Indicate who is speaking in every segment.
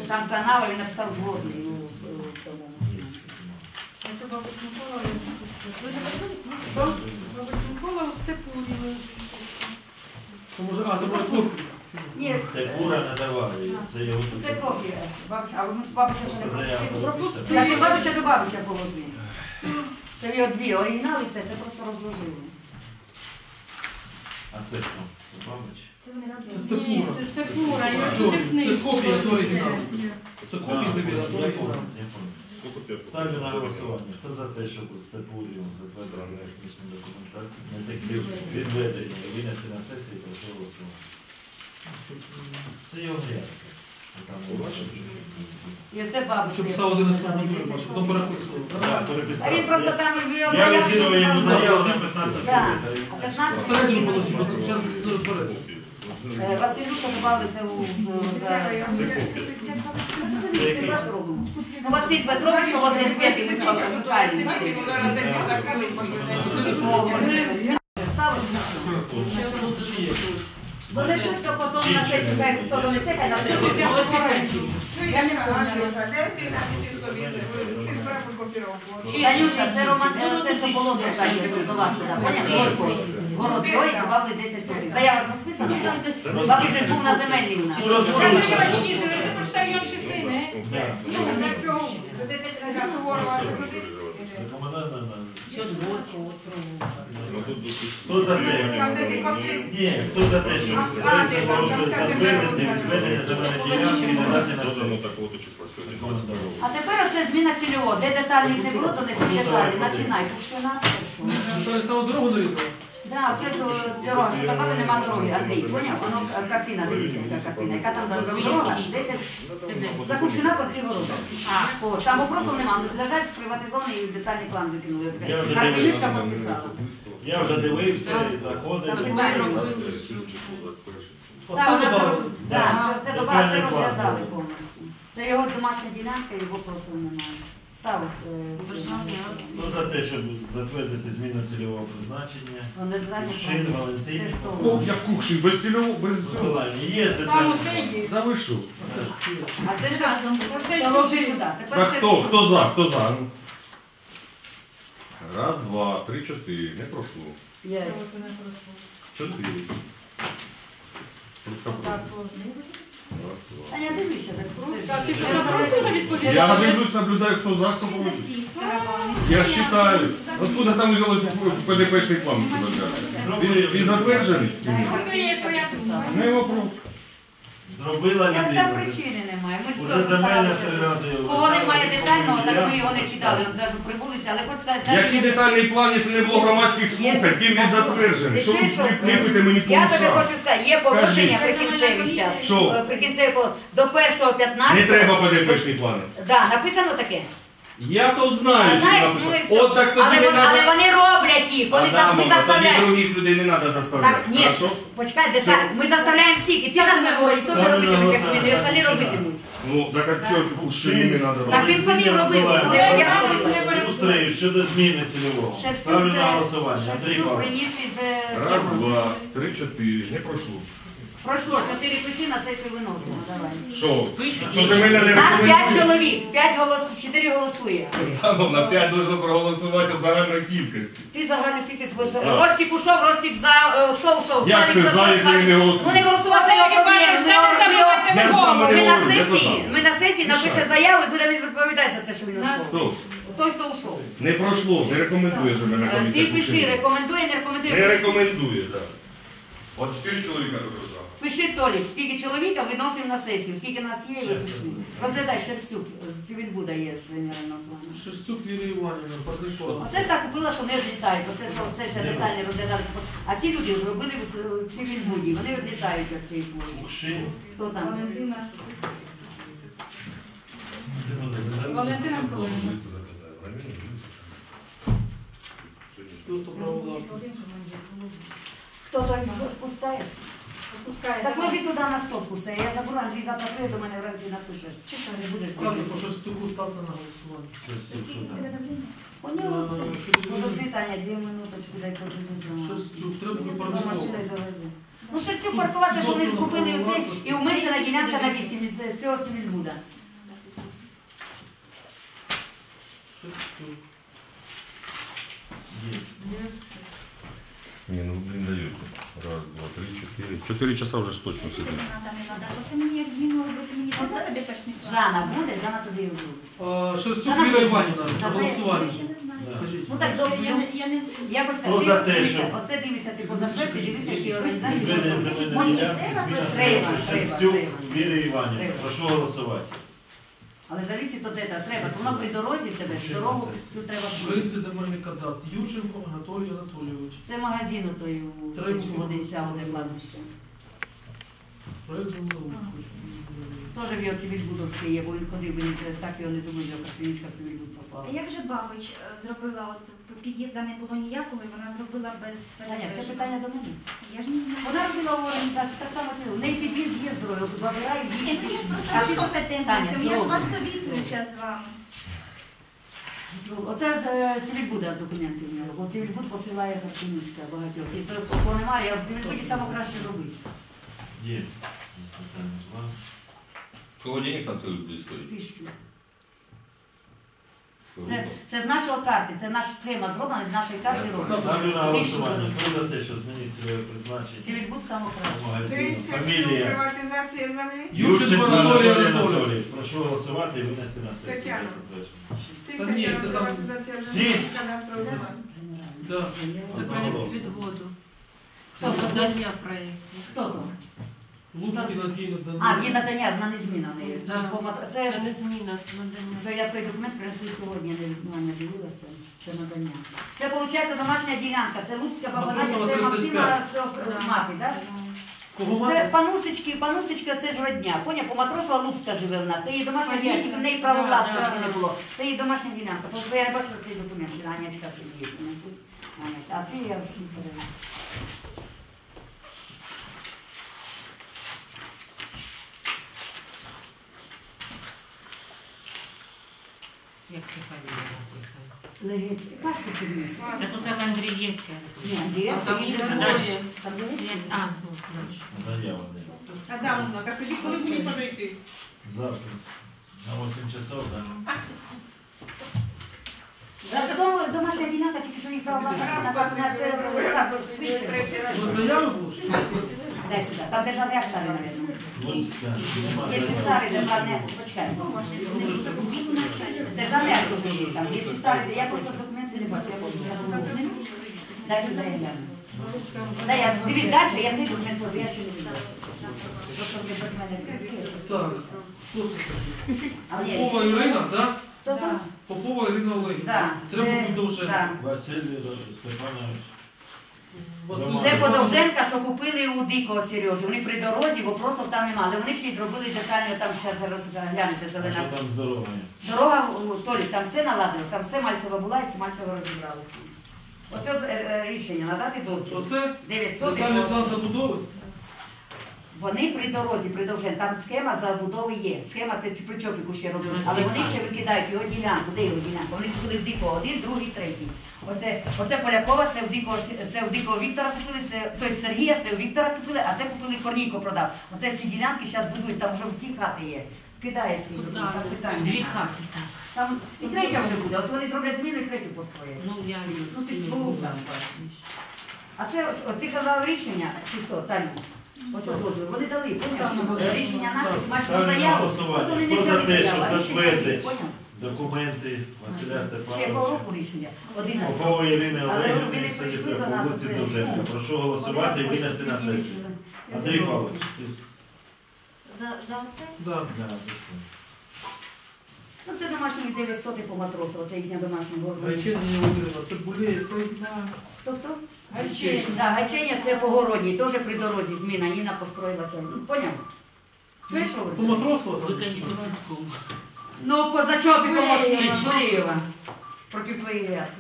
Speaker 1: там канал, він написав згодний.
Speaker 2: Це бабусь Микола, бабусь Микола у Степурі.
Speaker 3: Може, то буде копія.
Speaker 1: Ні,
Speaker 4: Степура не давали.
Speaker 1: це копія. А бабуся ще не пропустила.
Speaker 2: Пропустила.
Speaker 1: Я бабуся до бабуся положив. Це його дві оригінали, це просто розложили.
Speaker 4: А це хто? Бабич?
Speaker 3: Це Степура.
Speaker 2: Це Степура, я
Speaker 3: Це копія до оригіналу. Це копія забіла, то
Speaker 4: Я
Speaker 3: оригінал.
Speaker 4: понял. Ставлю на голосування. Хто за те, щоб у Степурі затвердили технічну документацію, не такі відведення і винести на сесію, прошу голосувати. Це його грязка.
Speaker 1: І оце бабуся.
Speaker 3: Щоб писав 11 номер, що там переписував.
Speaker 4: Так, переписав.
Speaker 1: А він просто там його
Speaker 4: Я візирую йому заяву на 15
Speaker 1: Так,
Speaker 4: хвилин.
Speaker 1: а 15
Speaker 3: Старайся
Speaker 1: хвилин.
Speaker 3: положити, просто зараз не розбереться.
Speaker 1: Василюша добавили це у... Ну, Василь Петрович, що возле Святи Михайлівни. Донесуть, то потім на сесію, хай хто донесе, хай на сесію.
Speaker 2: Я не пам'ятаю.
Speaker 1: Танюша, це Роман, це що було достатньо, тож до вас туди, поняв? Город його і добавили 10 сотих. Заява ж розписана? Бабусь же був на земельній у нас.
Speaker 4: Хто за те? Ні, хто за те, щоб зведення земельної ділянки і надати на сесію?
Speaker 1: А тепер оце зміна цільового. Де деталі не було, то не деталі. Починай. Що нас,
Speaker 3: Що я саме дорогу нарізав?
Speaker 1: Так, це ж дорога, що казали, нема дороги, Андрій, поняв? Воно картина, дивіться, яка картина. Яка там дорога? 10 закучена по цій ворота. Там вопросів нема, лежать приватизований і детальний план викинули. Карпелюшка підписала.
Speaker 4: Я вже дивився і заходив.
Speaker 1: Так, це добавили, це розглядали повністю. Це його домашня ділянка, його просто немає. Ставив.
Speaker 4: Хто за те, щоб затвердити зміну цільового призначення? Шин, Валентин.
Speaker 5: О, як кукший, без цільового, без цього.
Speaker 4: Миколаївні, є
Speaker 2: Там
Speaker 4: детальний
Speaker 2: усе
Speaker 4: план?
Speaker 2: є.
Speaker 5: Да ви що?
Speaker 1: А це ж разом. Положи туди.
Speaker 5: Так хто за, хто за? Ну. Раз, два, три, чотири. Не пройшло. 4.
Speaker 1: Таня, дивися,
Speaker 5: Я дивлюсь, наблюдаю, хто за, хто проти. Я считаю. Откуда там взялось ПДПшний план? Він затверджений? Не вопрос.
Speaker 4: Зробила
Speaker 1: Там
Speaker 4: людина.
Speaker 1: причини немає. Ми ж
Speaker 4: Уже
Speaker 1: теж
Speaker 4: земельна
Speaker 1: старалися. Кого немає детального, так ми його не кидали, навіть при вулиці, але хочу сказати...
Speaker 5: Який детальний план, якщо не було громадських слухань, ким він затверджений? Що ви кліпите мені по
Speaker 1: Я тобі
Speaker 5: ушах?
Speaker 1: хочу сказати, є положення прикінцеві зараз.
Speaker 5: Що?
Speaker 1: Прикінцеві до 1.15.
Speaker 5: Не треба ПДПшні плани.
Speaker 1: Так, написано таке.
Speaker 5: Я то знаю,
Speaker 1: Знаєш,
Speaker 5: що
Speaker 1: ну і
Speaker 5: написано.
Speaker 1: все.
Speaker 5: От так тоді
Speaker 1: Але
Speaker 5: не
Speaker 1: але
Speaker 5: треба.
Speaker 1: вони роблять їх, вони ми
Speaker 5: Адамова, тоді
Speaker 1: заставляємо.
Speaker 5: других людей не треба заставляти.
Speaker 1: Так, ні,
Speaker 5: Хорошо?
Speaker 1: почекай, деталь. Ми заставляємо всіх, і ти нас не говорить, теж робитимуть, як зміни, і остальні робитимуть.
Speaker 5: Ну, так а чого ж не треба
Speaker 1: Так
Speaker 5: робити?
Speaker 1: він вони робив. Я робила.
Speaker 4: Ілюструю щодо зміни цільового. Ставлю на голосування. Андрій
Speaker 1: Шерстюк
Speaker 4: Павлович.
Speaker 1: приніс із...
Speaker 5: Раз, два, три, чотири. Не пройшло.
Speaker 1: Пройшло, 4 пиши, на сесію виносимо, давай.
Speaker 5: Що? Що земельна не
Speaker 1: Нас 5
Speaker 5: рекомендує?
Speaker 1: чоловік, 4 голосує.
Speaker 5: На 5 должно проголосувати від загальної кількості.
Speaker 1: Ти загальну кількість будеш.
Speaker 5: За.
Speaker 1: Ростик ушов, Ростик за, хто ушов?
Speaker 5: Як це за, якщо він не голосує?
Speaker 1: Вони голосувати за його проблеми.
Speaker 5: Я ж саме
Speaker 1: Ми
Speaker 5: не
Speaker 1: на
Speaker 5: говорю, я
Speaker 1: сесії,
Speaker 5: то
Speaker 1: ми на сесії напише заяву і буде відповідати за те, що він ушов.
Speaker 5: Хто?
Speaker 1: Той, хто ушов.
Speaker 5: Не пройшло, не рекомендує земельна
Speaker 1: Ти
Speaker 5: комісія.
Speaker 1: пиши, рекомендує, не рекомендує.
Speaker 5: Не
Speaker 1: пиши.
Speaker 5: рекомендує, так. От 4 чоловіка тут за.
Speaker 1: Пиши, Толік, скільки чоловіка виносимо на сесію, скільки нас є, ви пиши. Розглядай, Шерстюк, з Цивільбуда є з генерального плану.
Speaker 3: Шерстюк Лілія Іванівна, партнершова.
Speaker 1: Оце ж так купила, що не відлітають, оце ще детально розглядали. А ці люди робили в Цивільбуді, вони відлітають як цей площі. Хто там?
Speaker 2: Валентина Миколаївна.
Speaker 3: Просто право власності.
Speaker 1: Хто той пускаєш? Так ложи туди на стопку все. Я забула, Андрій завтра прийде до мене вранці напише. Чи що не будеш
Speaker 3: Ладно,
Speaker 1: зробити?
Speaker 3: по Шерстюку ставте на голосування.
Speaker 1: У нього це. Подожди, Таня, 2 минуточки, дай подожди.
Speaker 3: Шерстюк, треба
Speaker 1: До
Speaker 3: продовжувати.
Speaker 1: машини довези. Ну, ще цю паркуватися, що вони скупили оце, і уменшена ділянка на 8 із цього Цивільбуда.
Speaker 5: Не, ну блин, дают. Раз, два, три, четыре. 4 часа уже ж точно сидит.
Speaker 6: Оце мені як зміну робити, мені треба ДПшник.
Speaker 1: Жанна буде, Жанна тобі робить.
Speaker 3: Шерстюк Віра Іванівна, на голосування.
Speaker 1: Ну так, добре, я хочу
Speaker 4: Хто за те,
Speaker 1: дивися,
Speaker 4: що-
Speaker 1: оце дивися, ти позапити, дивися, які організації.
Speaker 4: Відведення земельної
Speaker 1: Може,
Speaker 4: ділянки
Speaker 1: треба,
Speaker 4: Шерстюк
Speaker 1: треба.
Speaker 4: Вірі Іванівни. Прошу голосувати.
Speaker 1: Але залізти то де треба, то воно при дорозі в тебе, дорогу цю треба.
Speaker 3: Український земельний кадастр. Юрченко Анатолій Анатолійович.
Speaker 1: Це магазин той
Speaker 3: Треба.
Speaker 1: водиця, води кладбище.
Speaker 3: Проект землеустрою.
Speaker 1: Теж в його Цивільбудовський є, бо він ходив, він так його не зумів, як клінічка в Цивільбуд послала.
Speaker 6: А як же Бабич зробила, от під'їзда не було ніякого, і вона зробила без
Speaker 1: Таня, це питання до мене.
Speaker 6: Я ж не знаю.
Speaker 1: Вона робила в організації так само, як в неї під'їзд є здоров'я, от вибирає
Speaker 6: Ні,
Speaker 1: її.
Speaker 6: ну я ж просто
Speaker 1: А
Speaker 6: не
Speaker 1: ти-
Speaker 6: компетентна,
Speaker 1: Таня,
Speaker 6: я ж вас
Speaker 1: зроблено.
Speaker 6: совітуюся з вами.
Speaker 1: Оце з Цивільбуда з документів в нього, бо Цивільбуд посилає клінічка багатьох. І то немає, а в Цивільбуді саме краще робити.
Speaker 4: Є. Питання два.
Speaker 5: Холодильник там целый будет стоить.
Speaker 1: Пішки. Це з нашого карти, це наша схема зроблена, з нашої карти
Speaker 4: Ставлю на
Speaker 1: роблена.
Speaker 4: голосування. Хто за те, що змінить цільове призначення?
Speaker 1: Цивільбуд саме краще.
Speaker 4: Магазину. Фамілія.
Speaker 2: Приватизація землі.
Speaker 3: Юрченко Анатолій Анатолійович.
Speaker 4: Прошу голосувати і винести на сесію.
Speaker 2: Тетяна.
Speaker 3: Та ні, це там-
Speaker 2: Приватизація
Speaker 4: Всі?
Speaker 2: землі. Кадастрового.
Speaker 3: Да.
Speaker 7: Це проєкт відводу.
Speaker 1: Хто то?
Speaker 7: Надання проєкту.
Speaker 1: Хто то?
Speaker 3: Луцький Надій
Speaker 1: А,
Speaker 3: надання.
Speaker 1: є надання, вона не зміна в неї. Це ж це
Speaker 7: Це
Speaker 1: ж
Speaker 7: не зміна, це надання.
Speaker 1: то я той документ принесли сьогодні, я не дивилася. Це надання. Це виходить домашня ділянка. Це Луцька баба Надя, це
Speaker 3: Матросова,
Speaker 1: Максима,
Speaker 3: 35.
Speaker 1: це мати, так?
Speaker 3: Кого
Speaker 1: Це
Speaker 3: мати?
Speaker 1: панусечка, це ж родня. Поняв, по Матросова Луцька живе в нас. Це її домашня ділянка, в неї право власності не було. Це її домашня ділянка. Тобто я не бачила цей документ, що Анячка собі принесли. А це я всім передаю.
Speaker 7: Як це фамілія написано?
Speaker 1: Легець. Паспорт підніс.
Speaker 7: Це тут Андрієвська.
Speaker 1: Ні, Андрієвська.
Speaker 7: Там
Speaker 1: він
Speaker 7: є
Speaker 1: же
Speaker 7: двоє.
Speaker 1: Там Легець.
Speaker 7: А, ну, знаєш.
Speaker 4: Заява.
Speaker 2: Адамовна, так тоді коли мені подойти?
Speaker 4: Завтра. На 8 часов, так?
Speaker 1: Домашня ділянка, тільки що їх право власності на це свідчення.
Speaker 3: Ви заяви були?
Speaker 1: Дай сюди. Там державний акт старий, мабуть.
Speaker 4: Луцька.
Speaker 1: Якщо старий державний акт, почекай. Державний акт дуже є там. Якщо старий, я просто документи не бачу, я можу зараз зробити. Дай сюди, я гляну. Дай, я дивись далі, я цей документ, я ще не бачу. Просто ви без мене прийшли.
Speaker 3: Так. Хто це такий?
Speaker 1: А ні,
Speaker 3: Попова Ірина, так?
Speaker 1: хто там?
Speaker 3: Попова Ірина Олегівна.
Speaker 1: Так,
Speaker 3: Треба
Speaker 1: це-
Speaker 3: бути довше.
Speaker 1: так.
Speaker 4: Василь Степанович.
Speaker 1: Це Подовженка, що купили у Дикого Сережі. Вони при дорозі, бо просто там немає. Але вони ще й зробили детально, там ще зараз глянете
Speaker 4: А
Speaker 1: зелена.
Speaker 4: що там здоров'я?
Speaker 1: Дорога, Толік, там все наладили, там все Мальцева була і все Мальцево розібралося. Ось ось рішення надати дозвіл.
Speaker 3: Оце
Speaker 1: 900
Speaker 3: детальний план забудови.
Speaker 1: Вони при дорозі, при Довжен, там схема забудови є. Схема це при Чопіку ще робилася, але вони ще викидають його ділянку. Де його ділянка? Вони купили в Дикого один, другий, третій. Оце Полякова, це в Дикого Віктора купили, це той Сергія, це у Віктора купили, а це купили Корнійко продав. Оце всі ділянки зараз будують, там вже всі хати є. Кидає всі, там питання.
Speaker 7: Дві хати, так.
Speaker 1: Там і третя вже буде. Ось вони зроблять зміну і третю построять.
Speaker 7: Ну, я...
Speaker 1: Ну ти ж був там. А це ось, от ти казав рішення, чи хто, Таню? Ось дозвіл. Вони дали, помниш, рішення наших, наших
Speaker 4: Ставлю на
Speaker 1: заяв.
Speaker 4: голосування.
Speaker 1: Просто вони не
Speaker 4: Хто за
Speaker 1: взяли
Speaker 4: те,
Speaker 1: заяву, а
Speaker 4: щоб
Speaker 1: рішення
Speaker 4: затвердити
Speaker 1: є, поняв?
Speaker 4: документи Василя
Speaker 1: Ще якого
Speaker 4: Степановича?
Speaker 1: року рішення? 11.
Speaker 4: Попова Ірини
Speaker 1: Але
Speaker 4: Олегівни,
Speaker 1: вони
Speaker 4: це
Speaker 1: прийшли до
Speaker 4: по
Speaker 1: нас,
Speaker 4: вулиці
Speaker 1: це ж,
Speaker 4: Довженка.
Speaker 1: ну,
Speaker 4: Прошу голосувати і винести на сесію. Андрій Павлович, ти
Speaker 6: За оце?
Speaker 3: Да.
Speaker 4: за це.
Speaker 1: Ну це домашній 900 по Матросу, це їхня домашня городина.
Speaker 3: Гайченко Володимирівна, це Булеє, це...
Speaker 1: Хто?
Speaker 2: Гайченко.
Speaker 1: Да, Гайчення це по Городній, теж при дорозі зміна, Ніна построїлася. Ну, поняв? Чуєш, що
Speaker 3: По
Speaker 1: ви?
Speaker 3: Матросу?
Speaker 7: Виконні по зв'язку.
Speaker 1: Ну, по Зачопі, по Максимі, Шварієва. Проти твоєї ряд.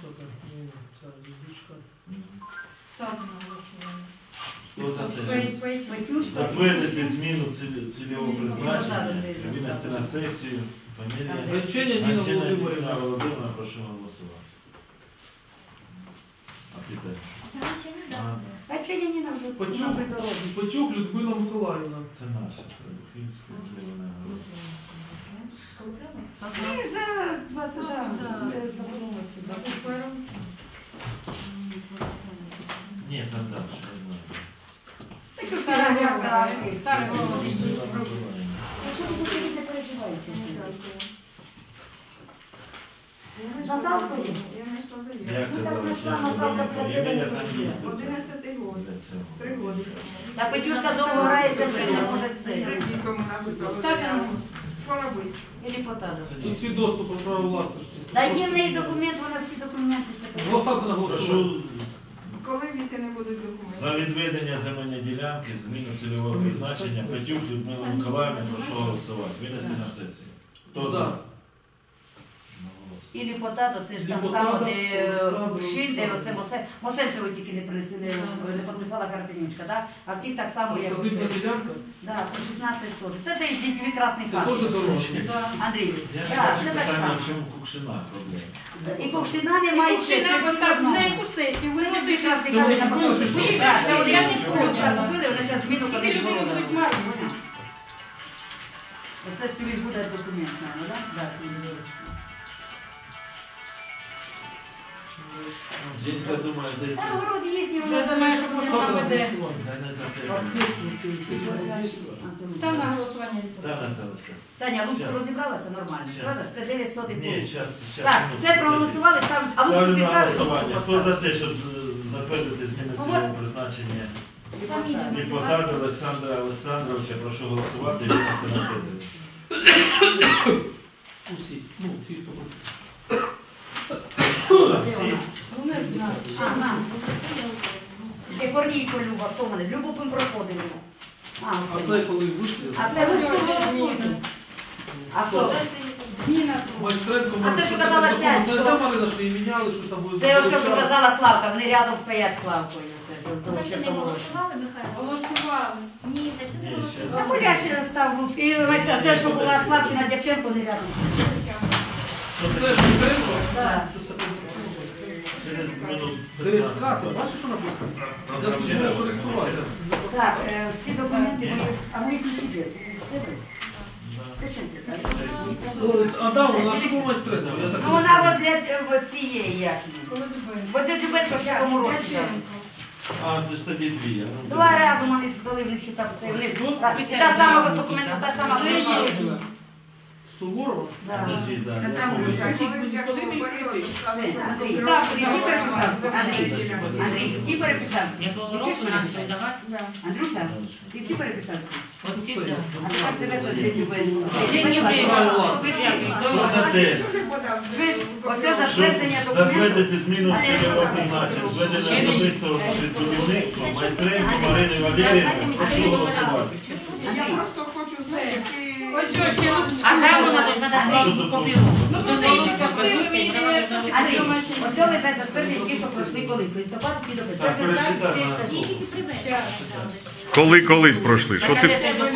Speaker 2: Ставлю на голосування.
Speaker 4: Хто за
Speaker 2: Свої,
Speaker 4: те?
Speaker 2: свої.
Speaker 1: Матюшка.
Speaker 4: Затвердити зміну цільового
Speaker 1: Ні,
Speaker 4: призначення,
Speaker 1: не треба це
Speaker 4: винести на сесію. Фамілія.
Speaker 3: Гайчення Ніна
Speaker 4: Гайченко
Speaker 3: Володимирівна.
Speaker 4: Ніна Володимирівна, прошу голосувати. А ти де?
Speaker 1: Печення Ніна вже
Speaker 3: Пацюк, Пацюк Людмила Миколаївна.
Speaker 4: Це наша, Требухівська, Зелена Гора.
Speaker 1: І за 20, забудовуватися.
Speaker 4: Ні, там далі, я знаю.
Speaker 2: Старий голод її.
Speaker 1: Що ви дуже не переживаєте? Наталкою?
Speaker 4: Я казав, що Ємеля там їздить.
Speaker 2: 11 год.
Speaker 4: Для цього.
Speaker 2: 3 годи.
Speaker 1: Та Петюшка довго грається, все не може це.
Speaker 2: Ставте на гусь. Що робити?
Speaker 1: Ілі потада.
Speaker 3: Тут всі доступи право власності.
Speaker 1: Та є в неї документ, вона всі документи. це
Speaker 3: Поставте на голосування.
Speaker 4: Прошу
Speaker 2: Коли віти не будуть документи?
Speaker 4: за відведення земельної ділянки, зміну цільового призначення, Петюк Людмила Миколаївна, прошу голосувати. Винести на сесію. Хто за?
Speaker 1: І Ліпотадо, це ж там
Speaker 3: Ліпотадо,
Speaker 1: само, де
Speaker 3: Олександр,
Speaker 1: Шин, де
Speaker 3: Олександр.
Speaker 1: оце Мосенцево тільки не принесли, не підписала картинічка, так? А в цих так само, як
Speaker 3: Садибна
Speaker 1: оце.
Speaker 3: ділянка.
Speaker 1: Да, 116 соток. Це теж дітьові красний
Speaker 3: Це
Speaker 1: хат.
Speaker 3: теж дорожче.
Speaker 1: Андрій,
Speaker 4: Я
Speaker 1: так,
Speaker 4: не
Speaker 1: це
Speaker 4: бачу
Speaker 1: так
Speaker 4: питання,
Speaker 1: само.
Speaker 4: в чому Кукшина проблема.
Speaker 1: І Ковшина немає,
Speaker 2: Чи
Speaker 1: це
Speaker 2: треба
Speaker 1: все
Speaker 2: поставити
Speaker 1: одно.
Speaker 2: на яку сесію? Ви
Speaker 1: Це
Speaker 2: не
Speaker 1: дітьові красний
Speaker 3: Це
Speaker 1: хат
Speaker 3: вони
Speaker 1: на
Speaker 3: купили, чи
Speaker 1: посольстві.
Speaker 3: що?
Speaker 1: Так, це вони
Speaker 2: Я не помню.
Speaker 1: люкса купили, вони зараз зміну
Speaker 2: Скільки
Speaker 1: колись
Speaker 2: людей
Speaker 1: зробили.
Speaker 2: будуть мати?
Speaker 1: Оце з цілий буде документ, мабуть, так? Так, це буде.
Speaker 4: Жінка думає, де
Speaker 1: Та
Speaker 4: це.
Speaker 1: городи їхні,
Speaker 2: Вже
Speaker 1: вони
Speaker 2: думає, що може
Speaker 3: Ставте на
Speaker 2: мати де.
Speaker 3: голосування.
Speaker 4: Та не за те.
Speaker 2: Став на голосування.
Speaker 4: Та, Наталочка.
Speaker 1: Таня, Луцько розібралася нормально, ж, правда? ж? Це 9 сотих
Speaker 4: Ні,
Speaker 1: було.
Speaker 4: зараз.
Speaker 1: Так, це проголосували, ставиш, а Луцько
Speaker 4: Ставлю
Speaker 1: ти
Speaker 4: на
Speaker 1: ставиш,
Speaker 4: голосування.
Speaker 1: Луцько
Speaker 4: Хто за
Speaker 1: поставиш.
Speaker 4: те, щоб затвердити зміни цільового призначення депутата Олександра Олександровича, прошу голосувати і винести на сесію.
Speaker 3: Усі. Ну, всі, хто хоче.
Speaker 4: Всі?
Speaker 2: Ну не знаю.
Speaker 1: Ага. Де Корнійко Люба, хто мене? Любу ми проходили.
Speaker 3: А це коли вийшли?
Speaker 1: А це Луцько голосує. А хто?
Speaker 2: Зміна.
Speaker 3: Майстренко,
Speaker 1: А це, що казала ця,
Speaker 3: Це
Speaker 1: що-
Speaker 3: сама Марина, що її міняли, що там були...
Speaker 1: Це ось те, що казала Славка, вони рядом стоять з Славкою. Це ж
Speaker 6: Ви
Speaker 1: ще
Speaker 6: не
Speaker 1: того.
Speaker 6: голосували, Михайло?
Speaker 2: Голосували.
Speaker 6: Ні, це не
Speaker 4: Ні,
Speaker 6: голосували.
Speaker 1: А Поля ще став Луцько. І це, що була Славчина Дяченко, не рядом.
Speaker 3: Це Майстренко?
Speaker 1: Так.
Speaker 3: Щось таке зробили.
Speaker 4: Через минут
Speaker 3: ДСК, ти бачиш, що написано? Я служу користуватися.
Speaker 1: Так, ці документи, а мої ключі де?
Speaker 3: А да, вона ж була Майстренко. Я так
Speaker 1: Ну вона возле цієї яхні.
Speaker 2: Коли дубень.
Speaker 1: Бо це Джубенко ще в тому році. дали.
Speaker 4: А, це ж тоді дві. я, ну,
Speaker 1: Два рази вони ж дали, вони ще там це. Та сама документа, та сама
Speaker 2: Це є.
Speaker 1: документа.
Speaker 3: Суворова.
Speaker 1: Да.
Speaker 4: Подожди, да, я
Speaker 1: Там
Speaker 4: помню.
Speaker 1: вже.
Speaker 2: Колись як говорили,
Speaker 1: Все, Андрій,
Speaker 2: Так,
Speaker 1: всі переписався? Андрій, всі переписався?
Speaker 7: Якого
Speaker 1: Чуєш
Speaker 7: року
Speaker 1: мене?
Speaker 7: нам давати?
Speaker 1: Андрюша, ти всі переписався?
Speaker 7: От сюди.
Speaker 1: А тепер тебе тут де Дзюбенко.
Speaker 7: Я не виграла.
Speaker 1: Пиши.
Speaker 4: Хто за те,
Speaker 1: Чуєш, ось
Speaker 4: щоб
Speaker 1: затвердження документів.
Speaker 4: затвердити зміну цільового призначення, зведення особистого будівництва, майстренко Марини Валеріївни, прошу голосувати.
Speaker 2: Я
Speaker 1: Андрій,
Speaker 2: просто хочу все. Ось ось ще нам.
Speaker 7: А там вона тут
Speaker 1: Андрій,
Speaker 7: надо копію.
Speaker 2: Ну,
Speaker 7: До
Speaker 2: ну,
Speaker 7: неї
Speaker 2: ну,
Speaker 7: скажуть,
Speaker 2: ви
Speaker 7: і треба
Speaker 2: мені-
Speaker 7: зробити.
Speaker 1: Андрій, ось це лежать затвердження, ті, що пройшли колись. Листопад, всі допити.
Speaker 4: Так,
Speaker 1: Це вже
Speaker 4: перечитай,
Speaker 1: всі
Speaker 4: на.
Speaker 1: це.
Speaker 6: Тільки привезли.
Speaker 5: Коли колись пройшли? Що ти...
Speaker 2: Я думаю,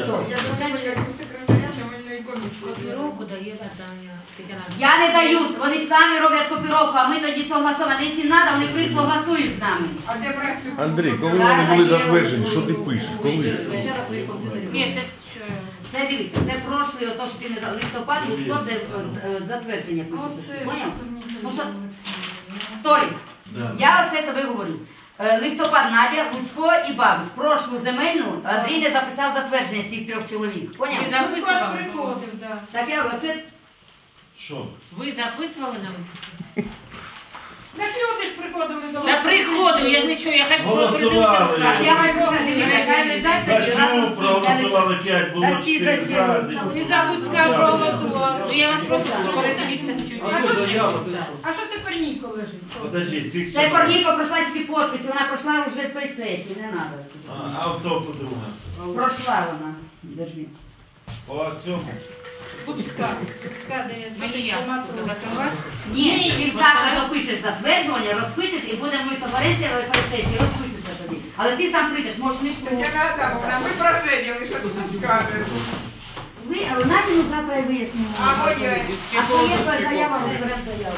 Speaker 2: як у секретаря земельної комісії.
Speaker 7: Копіровку дає Наталя. Тетяна.
Speaker 1: Я не даю, вони самі роблять копіровку, а ми тоді согласуємо. Якщо треба, вони прийдуть согласують з нами.
Speaker 2: А де брати цю
Speaker 5: Андрій, коли вони були затверджені, що ти пишеш? Коли?
Speaker 1: Вчора при комп'ютері.
Speaker 7: Ні, це що?
Speaker 1: Це дивіться, це прошлий, ото що ти не за листопад, Луцько, це затвердження пишеться.
Speaker 2: Оце,
Speaker 1: Поняв?
Speaker 2: що тут нічого
Speaker 1: Ну що,
Speaker 2: не
Speaker 1: Толік,
Speaker 4: Да.
Speaker 1: я оце тобі говорю. Листопад Надя, Луцько і Бабич. Прошлу земельну Андрій не записав затвердження цих трьох чоловік. Поняв?
Speaker 7: Ви
Speaker 2: Луцько аж
Speaker 7: записували?
Speaker 2: приходив, да.
Speaker 1: Так я говорю, це
Speaker 4: Що?
Speaker 7: Ви записували на листі?
Speaker 2: Так люди ж приходили до
Speaker 7: Та
Speaker 2: вас.
Speaker 7: приходив, я ж нічого, я хай
Speaker 4: Голосували.
Speaker 1: я хочу сказати, дивіться, хай лежать
Speaker 4: За
Speaker 1: тоді разом
Speaker 4: чому
Speaker 1: всі.
Speaker 4: проголосували 5, було
Speaker 1: Та всі
Speaker 4: 4
Speaker 1: за
Speaker 4: за.
Speaker 2: І за Луцька проголосували.
Speaker 7: Ну я вас просто прошу, дивіться чуть.
Speaker 3: А що заява? Ти що?
Speaker 2: А що це Корнійко лежить?
Speaker 4: Подожди, цих
Speaker 1: Це Корніко пройшла тільки підпис, вона пройшла вже в той сесії, не треба.
Speaker 4: А хто подруга?
Speaker 1: Пройшла вона. Держи.
Speaker 4: По цьому.
Speaker 2: Луцька. Луцька, де
Speaker 7: Мені я буду закривати.
Speaker 1: Ні, ти завтра допишеш затверджування, розпишеш і будемо ми соберемося в той сесії, розпишешся тобі. Але ти сам прийдеш, можеш книжку.
Speaker 2: Тетяна Адамовна, ви просиділи, що тут скажете.
Speaker 1: Ви Надіну завтра і вияснимо.
Speaker 2: А моє?
Speaker 1: А то є твоя заява, розберемо заяву.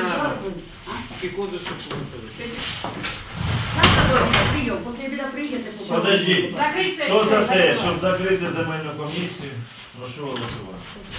Speaker 1: Завтра довідка, прийом. Після обіду приїдете.
Speaker 4: Подождіть.
Speaker 1: Закрий
Speaker 4: Хто за те,
Speaker 1: сесію.
Speaker 4: щоб закрити земельну комісію, прошу голосувати.